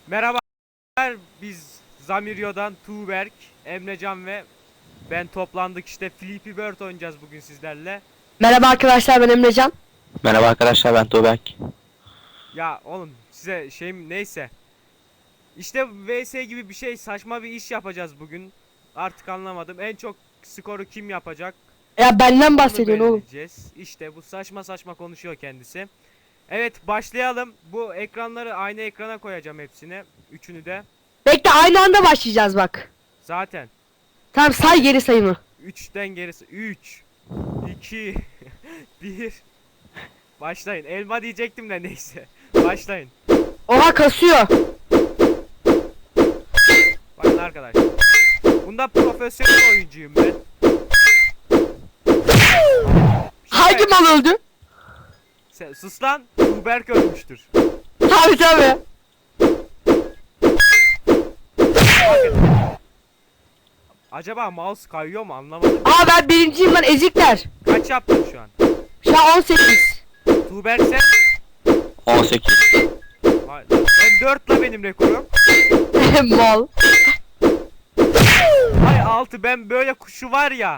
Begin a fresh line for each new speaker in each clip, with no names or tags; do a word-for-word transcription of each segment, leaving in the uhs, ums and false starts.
Merhaba, biz Zamirio'dan Tuğberk, Emrecan ve ben toplandık, işte Flappy Bird oynayacağız bugün sizlerle.
Merhaba arkadaşlar, ben Emrecan.
Merhaba arkadaşlar, ben Tuğberk.
Ya oğlum size şeyim neyse. İşte V S gibi bir şey, saçma bir iş yapacağız bugün. Artık anlamadım. En çok skoru kim yapacak?
Ya benden
Bunu
bahsediyorsun oğlum.
belirleyeceğiz. İşte bu saçma saçma konuşuyor kendisi. Evet, başlayalım. Bu ekranları aynı ekrana koyacağım, hepsini. Üçünü de.
Bekle, aynı anda başlayacağız bak.
Zaten.
Tamam, say geri sayımı.
üçten gerisi. üç iki bir. Başlayın. Elma diyecektim de neyse. Başlayın.
Oha, kasıyor.
Bakın arkadaşlar. Bunda profesyonel oyuncuyum ben.
Hangi mal öldü?
Sen, sus lan. Tuğberk ölmüştür.
Tabii tabii.
Bakın. Acaba mouse kayıyor mu, anlamadım.
Aa, ben birinciyim lan, ezikler.
Kaç yaptın şu an?
Şu an on sekiz.
Tuğberk sen?
on sekiz.
Vay, ben dört la benim rekorum.
Mal.
Ay altı, ben böyle kuşu var ya.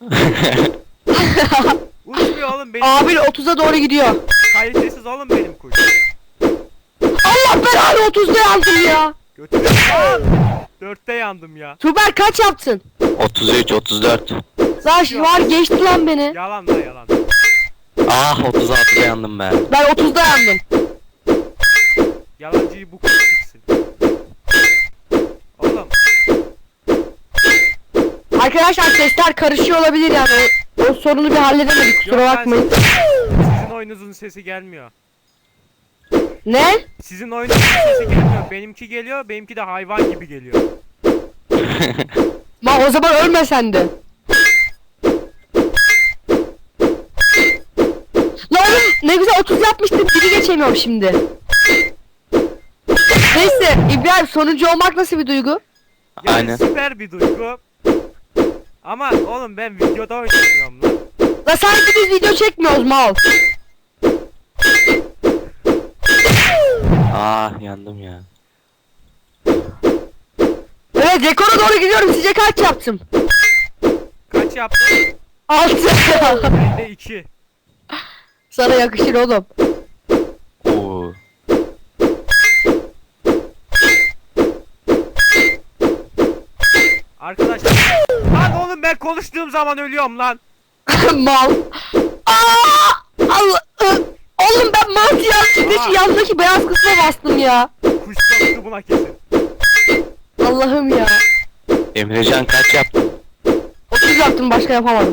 Uçmuyor oğlum benim.
Abi otuza doğru gidiyor.
Kalitesiz oğlum benim kuş.
Allah belanı, otuzda yandım ya.
Götürün lan. Dörtte yandım ya.
Tuber kaç yaptın?
otuz üç, otuz dört.
Lan şu var, geçti lan beni.
Yalan da yalan.
Ah, otuz altıda yandım ben.
Ben otuzda yandım.
Yalancıyı bu kuş gitsin. Oğlum
Arkadaşlar sesler karışıyor olabilir yani. O, o sorunu bir halledemedik, kusura
Yok lan,
bakmayın.
sizin oyununuzun sesi gelmiyor.
Ne?
Sizin oyununuzun sesi gelmiyor. Benimki geliyor. Benimki de hayvan gibi geliyor.
Ma o zaman ölme sen de. Lan oğlum, ne güzel otuz yapmıştım, biri geçemiyorum şimdi. Neyse İbrahim, sonuncu olmak nasıl bir duygu?
Yani
Aynen.
süper bir duygu. Ama oğlum ben videoda oynamıyorum lan.
La sanki biz video çekmiyoruz mal.
Ah, yandım ya.
Evet, rekora doğru gidiyorum, sizce kaç yaptım?
Kaç yaptın?
altı.
Ben de iki.
Sana yakışır oğlum.
Oo.
Arkadaşlar. Lan oğlum ben konuştuğum zaman ölüyorum lan.
Mal. Aa! Allah. ı, Oğlum ben mantı yanlışlıkla şu yandaki beyaz kısma bastım ya.
Kuş konuştu buna kesin.
Allah'ım ya.
Emrecan kaç yaptın?
otuz yaptım, başka yapamadım.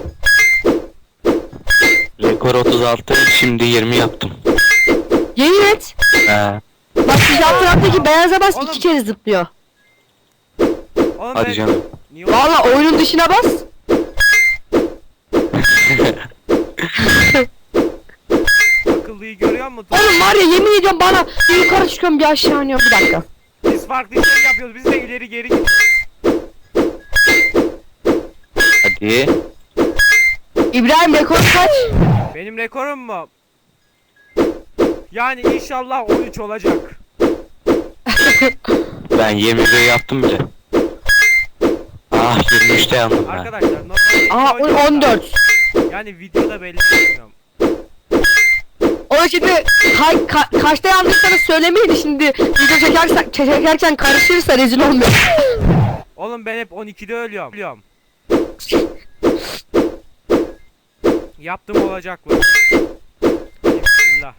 Rekor otuz altı, şimdi yirmi yaptım.
Yemin et.
He.
Bak şu yan taraftaki beyaza bas,
Oğlum.
iki kere zıplıyor.
Oğlum
Hadi
ben...
canım.
Niye
Valla oyunun dışına bas.
akıllıyı görüyor musun?
Oğlum var ya, yemin ediyorum bana bir yukarı çıkıyorum bir aşağı iniyorum, bir dakika.
Biz farklı şey yapıyoruz. Biz de ileri geri gidiyoruz.
Hadi.
İbrahim, rekor kaç?
Benim rekorum mu? Yani inşallah on üç olacak.
Ben yirmi bir yaptım bile. Ah, yirmi üçte yandım ben.
Arkadaşlar normalde
Aa
iki oynuyorum
on
da,
dört.
yani videoda belli etmiyorum.
O şimdi ka ka kaçta yandıysanız söylemeyin, şimdi video çekersen çekerken karışırsa rezil olmuyor.
Oğlum ben hep on ikide ölüyorum. Ölüyorum. Yaptım olacak mı? Bismillah.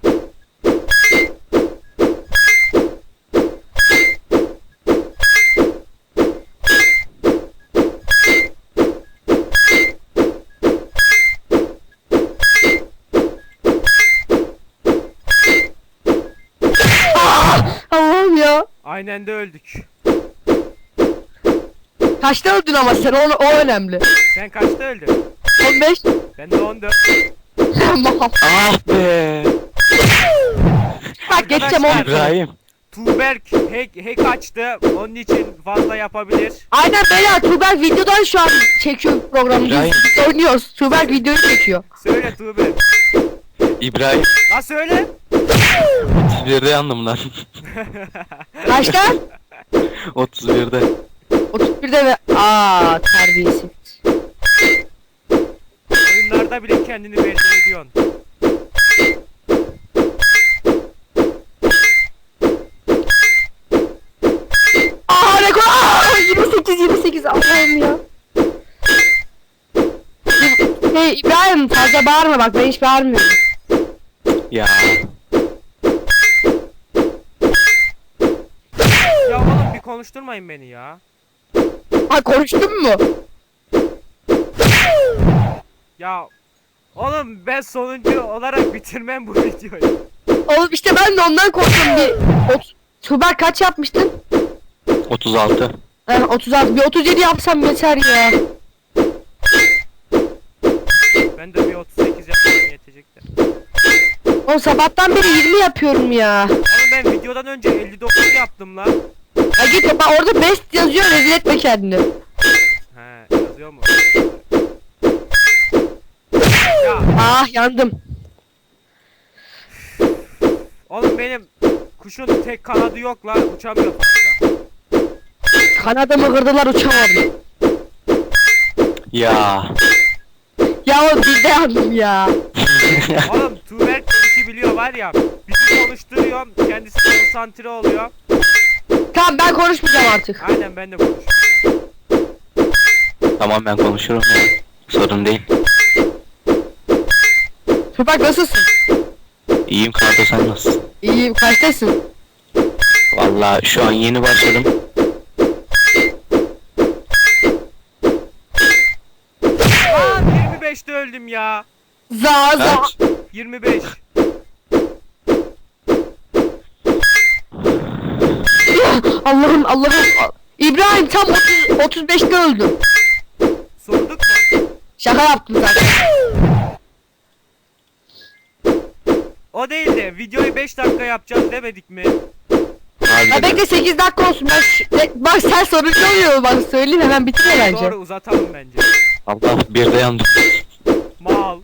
Allah'ım ya.
Aynen de öldük.
Kaçta öldün ama sen, o, o önemli.
Sen kaçta öldün?
on beş.
Ben de on dört.
Mal.
Ah be.
Bak geçeceğim
Arkadaşlar,
onu.
İbrahim.
Tuğberk hack, hack açtı. Onun için fazla yapabilir.
Aynen beyler, Tuğberk videodan şu an çekiyor programı.
İbrahim.
Biz, biz oynuyoruz. Tuğberk videoyu çekiyor.
Söyle Tuğberk.
İbrahim.
La söyle.
otuz birde yandım lan.
Kaçta?
otuz birde.
otuz birde mi? Aa terbiyesiz.
Oyunlarda bile kendini belli ediyorsun.
Aa rekor! Aa, yirmi sekiz yirmi sekiz Allah'ım ya. Hey İbrahim fazla bağırma bak ben hiç bağırmıyorum.
Ya.
Ya oğlum bir konuşturmayın beni ya.
Ha konuştun mu?
Ya oğlum ben sonuncu olarak bitirmem bu videoyu.
Oğlum işte ben de ondan korktum bir. Ot- Tuber kaç yapmıştın?
otuz altı.
Eh, otuz altı bir otuz yedi yapsam yeter ya.
Ben de bir otuz sekiz yapmam yetecektir.
Oğlum sabahtan beri yirmi yapıyorum ya.
Oğlum ben videodan önce elli dokuz yaptım lan.
Ya git bak orada best yazıyor rezil etme kendini.
He yazıyor mu? Ya
Ah yandım.
oğlum benim kuşun tek kanadı yok lan, uçamıyor fazla.
Kanadımı kırdılar uçamadım.
Ya.
Ya o bir de yandım ya.
Oğlum Tuğberk de işi biliyor var ya. Bizi konuşturuyorum, kendisi konsantre oluyor.
Tamam ben konuşmayacağım artık.
Aynen ben de konuşuyorum.
Tamam ben konuşurum ya. Sorun değil.
Tuber nasılsın?
İyiyim Kardo, sen nasılsın?
İyiyim kaçtasın?
Vallahi şu an yeni başladım.
Lan yirmi beşte öldüm ya.
Za za.
Kaç?
yirmi beş.
Allah'ım Allah'ım. İbrahim tam otuz, otuz beşte öldüm.
Sorduk mu?
Şaka yaptım zaten.
O değil de videoyu beş dakika yapacağız demedik mi?
Ya
Harbiden.
bekle sekiz dakika olsun. Ben şu- e, bak sen soruncu oluyor bak söyleyeyim hemen bitirme bence.
Doğru uzatalım bence.
Allah, bir de yandım.
Mal.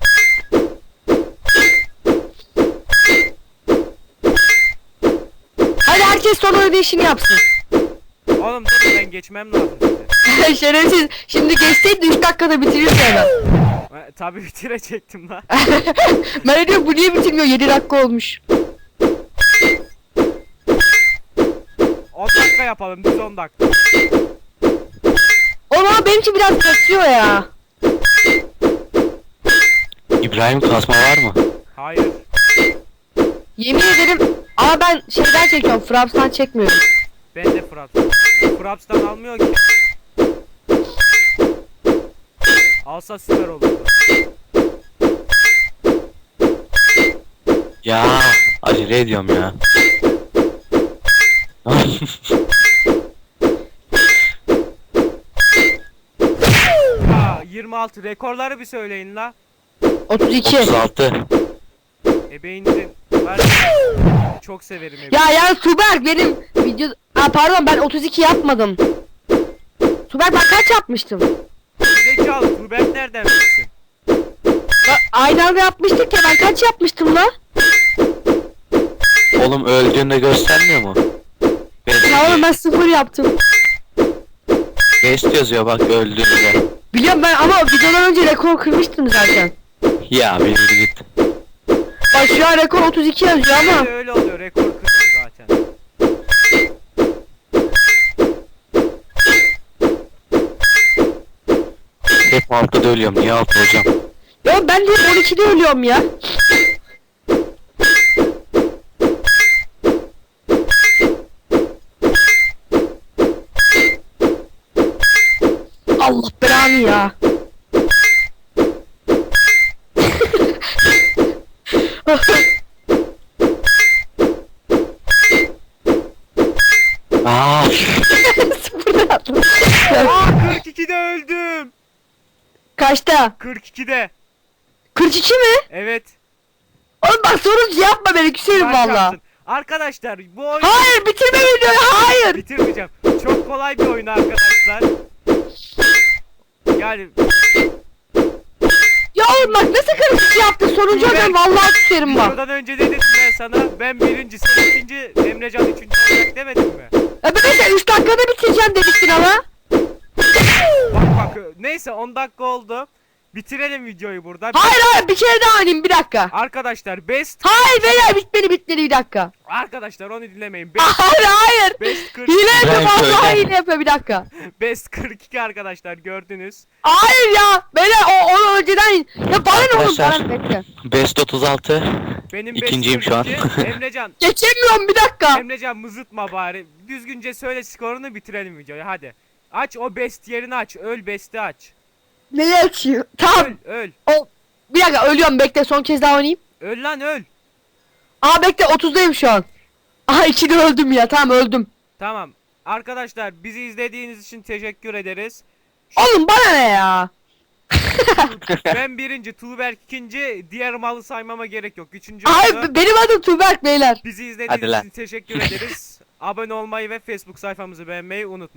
Hadi herkes son ödeyişini yapsın.
Oğlum dur ben geçmem lazım size.
Şerefsiz. Şimdi geçseydin üç dakikada bitirirdi hemen.
E, tabii bitirecektim lan.
Ben diyorum bu niye bitirmiyor? yedi dakika olmuş.
on dakika yapalım, biz on dakika.
Oğlum ama benim için biraz kaçıyor ya.
İbrahim, kasma var mı?
Hayır.
Yemin ederim ama ben şeyden çekiyorum. Fraps'tan çekmiyorum.
Ben de Fraps. Fraps'tan almıyor ki. Alsa süper olurdu.
Ya acele ediyorum ya.
Ya yirmi altı rekorları bir söyleyin la.
otuz iki.
otuz altı.
Ebeyinizin var ya, çok severim ebeğini.
Ya ya Tuberk benim video... Aa pardon ben otuz iki yapmadım. Tuberk ben kaç yapmıştım?
Zekalı Tuğberk nereden bilsin?
Ya, aynı anda yapmıştık ya ben kaç yapmıştım la?
Oğlum öldüğünde göstermiyor mu? Best,
Ya oğlum ben sıfır yaptım.
best yazıyor bak öldüğünde.
Biliyorum ben ama videodan önce rekor kırmıştım zaten.
Ya bir yürü git.
Bak şu an rekor otuz iki yazıyor ama.
Öyle, öyle oluyor, rekor kırıyor zaten.
Hep altıda ölüyorum. Niye altı hocam?
Ya ben de on ikide ölüyorum ya. Allah belanı ya.
Aa,
Sıfırdan attım.
Aa kırk ikide öldüm.
Kaçta?
kırk ikide.
kırk iki mi?
Evet.
Oğlum bak sorunca yapma beni küserim
Kaç
valla.
yaptın? Arkadaşlar bu oyun...
Hayır bitirme videoyu hayır.
Bitirmeyeceğim. Çok kolay bir oyun arkadaşlar. Yani
Ya oğlum bak nasıl kırk iki yaptın sonuncu
Tuğberk,
adam vallahi küserim bak.
videodan önce de dedim ben sana ben birinci, sen ikinci, Emrecan üçüncü olacak demedim mi?
E ben de üç dakikada bitireceğim demiştin ama.
Bak bak neyse on dakika oldu. Bitirelim videoyu burada.
Hayır hayır bir kere daha oynayayım bir dakika.
Arkadaşlar best
Hayır beyler bitmedi bitmedi bir dakika.
arkadaşlar onu dinlemeyin. Best,
Hayır hayır.
best kırk
Hile yapıyor
Ben
vallahi
söyle.
hile yapıyor bir dakika.
best kırk iki arkadaşlar gördünüz.
Hayır ya beyler o onu önceden ya bana ne oğlum bana
Arkadaşlar.
ne bekle.
Best otuz altı.
Benim
İkinciyim
best
şu an.
kırk iki. Emrecan,
Geçemiyorum bir dakika.
Emrecan mızıtma bari. Düzgünce söyle skorunu bitirelim videoyu hadi. Aç o best yerini aç. Öl best'i aç.
Neyi açıyor? Tamam.
Öl öl.
O bir dakika ölüyorum bekle son kez daha oynayayım.
Öl lan öl.
Aa bekle otuzdayım şu an. Aha ikide öldüm ya tamam öldüm.
Tamam. Arkadaşlar bizi izlediğiniz için teşekkür ederiz.
Oğlum bana ne ya?
Ben birinci, Tuğberk ikinci, diğer malı saymama gerek yok. Üçüncü
Hayır
oldu.
b- benim adım Tuğberk beyler.
Bizi
Hadi
izlediğiniz
lan.
için teşekkür ederiz. Abone olmayı ve Facebook sayfamızı beğenmeyi unutmayın.